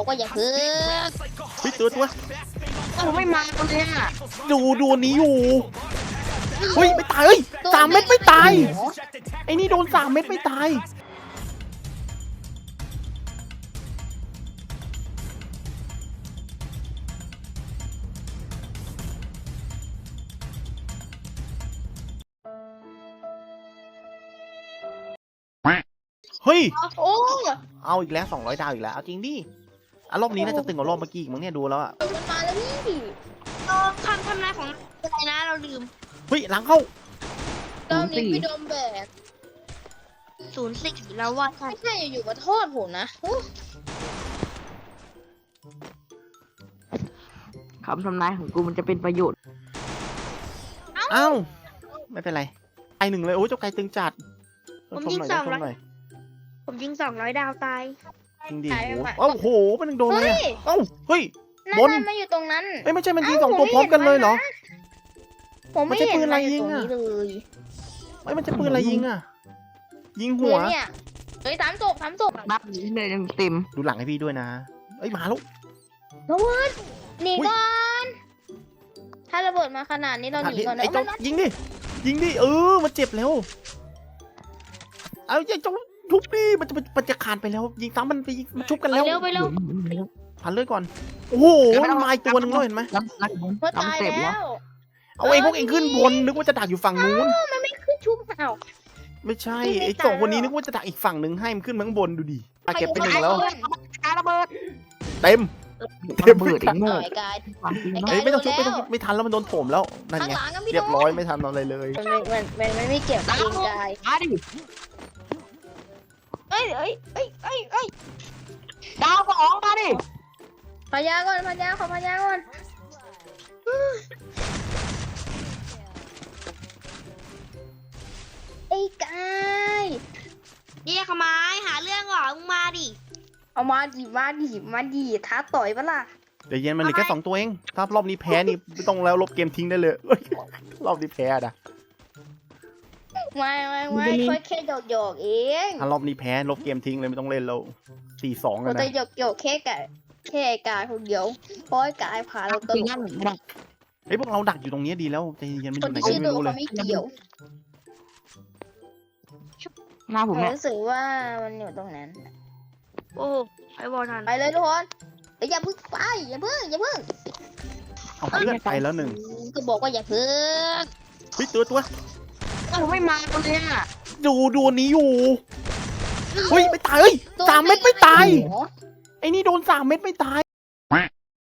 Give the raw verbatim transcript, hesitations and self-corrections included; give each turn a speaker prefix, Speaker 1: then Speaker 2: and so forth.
Speaker 1: บอกว่าอย่าเพิ่ง
Speaker 2: เฮ้ยตัวตัว
Speaker 3: กูไม่มาเลยอ่ะ
Speaker 2: ดูดูอันนี้อยู่เฮ้ยไม่ตายเฮ้ยสามเม็ดไม่ตายไอ้นี่โดนสามเม็ดไม่ตายเฮ้ย
Speaker 1: โอ้
Speaker 2: เอาอีกแล้วสองร้อยดาวอีกแล้วเอาจริงดิอ่ะรอบนี้น่าจะตึงกว่ารอบเมื่อกี้อีกมั้งเนี่ยดูแล้วอ่ะ
Speaker 1: มันมาแล้วพี่
Speaker 3: คำทำนายของอะไรนะเราลืม
Speaker 2: เฮ้ยหลังเข้า
Speaker 1: ตอนนี้พี่โดมแบก
Speaker 3: ศูนย์สี่แล้วว่า
Speaker 1: ไม่ใช่อยู่ๆมาโทษผมนะ
Speaker 3: คำทำนายของกูมันจะเป็นประโยชน์
Speaker 2: เอ้าไม่เป็นไรไอหนึ่งเลยโอ้เจ้าไก่ตึงจัดชมหน่อยชมหน่อย
Speaker 3: ผมยิงสองร้อยดาวตาย
Speaker 2: จริงดิโอ้โหมันยังโดนเลยเอ้าเฮ้ย
Speaker 1: นั่
Speaker 2: บน
Speaker 1: นมาอยู่ตรงนั้น
Speaker 2: เอ้ยไม่ใช่มันยิงสองตัวพร้อมกันเลยเหรอ
Speaker 1: ผมไม่เห็นมันอยู่ตรงนี้เลย
Speaker 2: เอ้ยมันจะปืนอะไรยิงอ่ะยิง
Speaker 1: หั
Speaker 2: หั
Speaker 1: ว
Speaker 2: ว
Speaker 1: เนี่ยเฮ้ยสามศพสามศพ
Speaker 3: นับนี้เลยยังเต็ม
Speaker 2: ดูหลังให้พี่ด้วยนะเอ้ยมาแล้ว
Speaker 1: ระเบิดหนีก่อนถ้าระเบิดมาขนาดนี้เราหนีก่อน
Speaker 2: ไอ้
Speaker 1: นะ
Speaker 2: เจ้ายิงดิยิงดิเออมันเจ็บแล้วเอาไอ้เจ้าทุบดิมันจะมันจะขาดไปแล้ว ยิงซ้ำมันไปยิงมันชุบกันแล้ว
Speaker 1: เร็วไปเร็ว
Speaker 2: พันเลือดก่อนโอ้โหมันมาอีกตัวหนึ่งแล้วเห็นไหม
Speaker 3: รับรับ
Speaker 1: เมื่อ
Speaker 3: รับ
Speaker 1: ตาย
Speaker 3: เต็ม
Speaker 1: แล้
Speaker 3: แล้ว
Speaker 1: ว
Speaker 2: เอาไอ้พวกเองขึ้นบนนึกว่าจะดักอยู่ฝั่งนู้น
Speaker 1: มันไม่ขึ้นชุบเห่า
Speaker 2: ไม่ใช่
Speaker 1: พี่ไม่
Speaker 2: ไอ้
Speaker 1: ตาย
Speaker 2: สองคนนี้
Speaker 1: หร
Speaker 2: นึ
Speaker 1: อก
Speaker 2: กว่าจะดักอีกฝั่งหนึ่งให้มันขึ้นมาข้างบนดูดิอ่ะเก็บไปหนึ่งแล้ว
Speaker 3: การระเบิด
Speaker 2: เต็ม
Speaker 3: ระเบิดอีกโง่
Speaker 1: ต่อยกาย
Speaker 3: ความจริง
Speaker 2: เฮ้ยไม่ต้องชุบไม่ต้องชุบไม่ทันแล้วมันโดนโถมแล้วนั่น
Speaker 1: ข้าง
Speaker 2: ไง
Speaker 1: หลังก็ไม่โดน
Speaker 2: เรียบร้อยไม่ทันอะไรเลย
Speaker 1: มันมันมันมันไม่เก็บเองกาย
Speaker 3: มาดิ
Speaker 1: เอ้ยเอ้ยเอ้ยเอ้ยเอ้ย
Speaker 3: ดาวสองมาดิ
Speaker 1: พยาก่อนพยาขอพยาก่อนไอ้กาย
Speaker 3: เยี่ยขมายหาเรื่องเหรอมึงมาดิ
Speaker 1: เอามาดิมาดิมาดิท้าต่อยปะล่ะ
Speaker 2: เดี๋ยวเย็นมันเหลือแค่สองตัวเองถ้ารอบนี้แพ้นี่ไม่ต้องแล้วลบเกมทิ้งได้เลยเอ้ยรอบนี้แพ้นะ
Speaker 1: ไม่ไม่ไม่ค่อยแค่หยอกหยอกเอง
Speaker 2: ถ้ารอบนี้แพ้ลบเกมทิ้งเลยไม่ต้องเล่นแล้วสี่สองเล
Speaker 1: เรา
Speaker 2: ย
Speaker 1: จะ
Speaker 2: นะ
Speaker 1: หยอกหยอกแค่กายแค่กายคนเดียวเพราะกายพาเราต
Speaker 3: จริง
Speaker 1: ล
Speaker 3: งั้น
Speaker 1: ก
Speaker 3: ไม่ได้
Speaker 2: เฮ้ยพวกเราดักอยู่ตรงนี้ดีแล้วใจเย็นมันอ
Speaker 1: คน
Speaker 2: ยู่ไหน
Speaker 1: ที่
Speaker 2: ก็
Speaker 1: ชื่อ
Speaker 2: ไม่
Speaker 1: โด
Speaker 2: รู้เล
Speaker 1: เขา
Speaker 2: ย
Speaker 1: ไม่เกี่ยว
Speaker 3: หน้าผมเนี่ย
Speaker 1: รู้สึกว่ามันอยู่ตรงนั้น
Speaker 3: โอ้ไอ้บอลทัน
Speaker 1: ไปเลยทุกคนเดี๋ยวอย่าเพึ่งไปอย่าเพึ่งอย่าเพึ่ง
Speaker 2: เอาเพื่อนไปแล้วหนึ่ง
Speaker 1: ก็บอกว่าอย่าเพึ่ง
Speaker 2: เฮ้ยตัวตัว
Speaker 3: กูไม่มาเลยอ่ะ
Speaker 2: ดูดูอันนี้อยู่เฮ้ยไม่ตายเฮ้ยสามเม็ดไม่ตายไอ้นี่โดนสามเม็ดไม่ตาย